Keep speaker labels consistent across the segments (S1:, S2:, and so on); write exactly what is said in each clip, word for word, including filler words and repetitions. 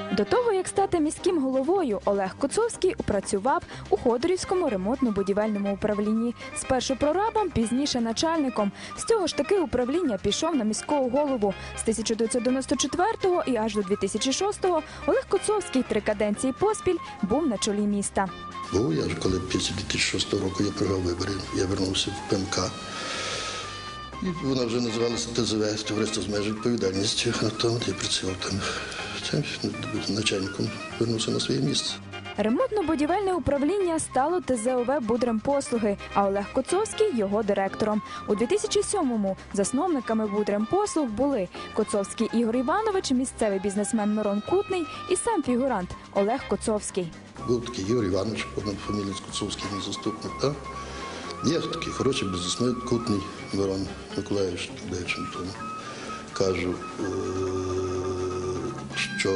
S1: До того, як стати міським головою, Олег Коцовський працював у Ходорівському ремонтно-будівельному управлінні. Спершу прорабом, пізніше начальником. З цього ж таки управління пішов на міського голову. З тисяча дев'ятсот дев'яносто четвертого і аж до дві тисячі шостого Олег Коцовський три каденції поспіль був на чолі міста.
S2: Був я ж, коли після дві тисячі шостого року я програв вибори, я вернувся в Пе Ем Ка. І вона вже називалася Те Зе Ве, товариство з обмеженою відповідальністю. А там я працював там. Це начальником вернувся на своє місце.
S1: Ремонтно-будівельне управління стало Те Зе О Ве «Будремпослуги», а Олег Коцовський – його директором. У дві тисячі сьомому засновниками «Будремпослуг» були Коцовський Ігор Іванович, місцевий бізнесмен Мирон Кутний і сам фігурант Олег Коцовський.
S2: Був такий Ігор Іванович, фамілія Коцовський, мій заступник. Так? Є такий хороший бізнесмен Кутний Мирон Миколаївич, тому кажу, що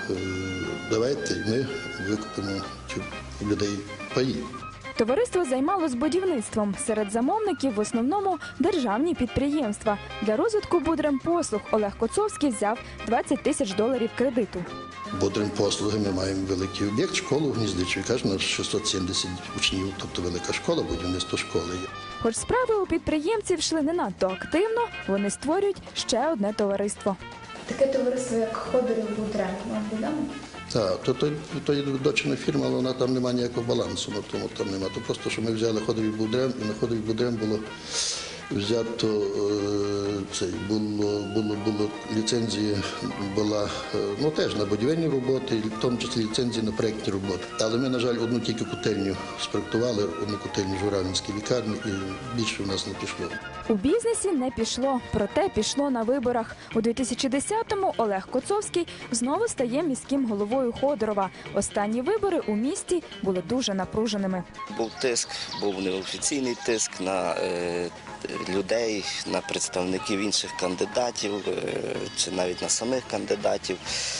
S2: давайте ми викупимо у людей паї.
S1: Товариство займалось будівництвом. Серед замовників в основному державні підприємства. Для розвитку «Будремпослуг» Олег Коцовський взяв двадцять тисяч доларів кредиту.
S2: «Будремпослуги» ми маємо великий об'єкт, школу в Гніздичі. Каже, на шістсот сімдесят учнів, тобто велика школа, будівництво школи є.
S1: Хоч справи у підприємців йшли не надто активно, вони створюють ще одне товариство.
S3: Таке товариство, як Ходорів Будрем, вам відомо?
S2: Так, то, то, то є дочерня фірма, але вона там немає ніякого балансу, на тому там немає. То просто, що ми взяли Ходорів Будрем, і на Ходорів Будрем було взято, е, цей, було, було, було ліцензія, була, е, ну теж на будівельні роботи, в тому числі ліцензії на проєктні роботи. Але ми, на жаль, одну тільки котельню спроектували, одну котельню в Журавлинській лікарні, і більше в нас не пішло.
S1: У бізнесі не пішло, проте пішло на виборах. У дві тисячі десятому Олег Коцовський знову стає міським головою Ходорова. Останні вибори у місті були дуже напруженими.
S4: Був тиск, був неофіційний тиск на е, людей, на представників інших кандидатів, е, чи навіть на самих кандидатів.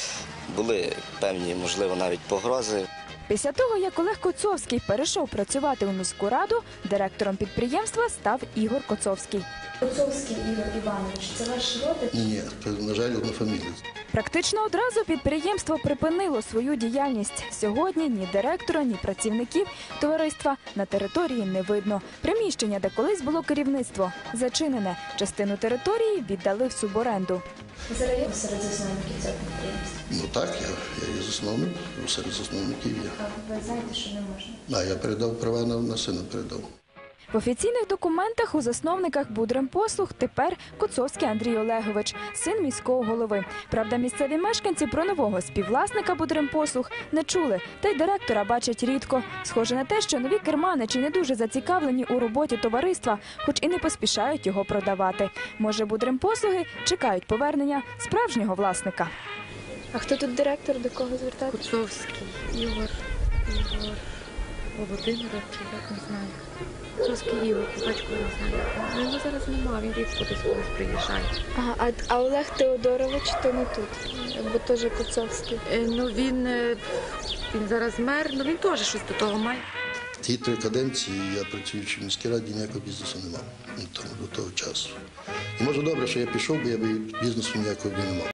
S4: Були певні, можливо, навіть погрози.
S1: Після того, як Олег Коцовський перейшов працювати у міську раду, директором підприємства став Ігор Коцовський.
S3: Коцовський Ігор Іванович, це ваш родич?
S2: Ні, це, на жаль, одна фамілія.
S1: Практично одразу підприємство припинило свою діяльність. Сьогодні ні директора, ні працівників товариства на території не видно. Приміщення, де колись було керівництво, зачинене. Частину території віддали в суборенду.
S3: Зараз є серед засновників цього підприємства?
S2: Ну так, я, я є засновник, серед засновників є.
S3: А ви знаєте, що не можна?
S2: А я передав права на, на сина, передав.
S1: В офіційних документах у засновниках «Будремпослуг» тепер Коцовський Андрій Олегович, син міського голови. Правда, місцеві мешканці про нового співвласника «Будремпослуг» не чули, та й директора бачать рідко. Схоже на те, що нові керманичі не дуже зацікавлені у роботі товариства, хоч і не поспішають його продавати. Може, «Будремпослуги» чекають повернення справжнього власника.
S3: А хто тут директор, до кого звертатися?
S5: Коцовський, Ігор, Ігор, Володимира, чи як, не знаю. Коцовський Ігор, батько не знаю. Ну, його зараз немає, він рідко десь колись приїжджає.
S3: Ага, а, а Олег Теодорович то не тут, бо теж Коцовський.
S5: Е, ну, він, е, він зараз мер, ну він теж щось до того має.
S2: Ті три каденції я, працюючи в міській раді, ніякого бізнесу не мав до того часу. І може добре, що я пішов, бо я б бізнесу ніякого б не мав.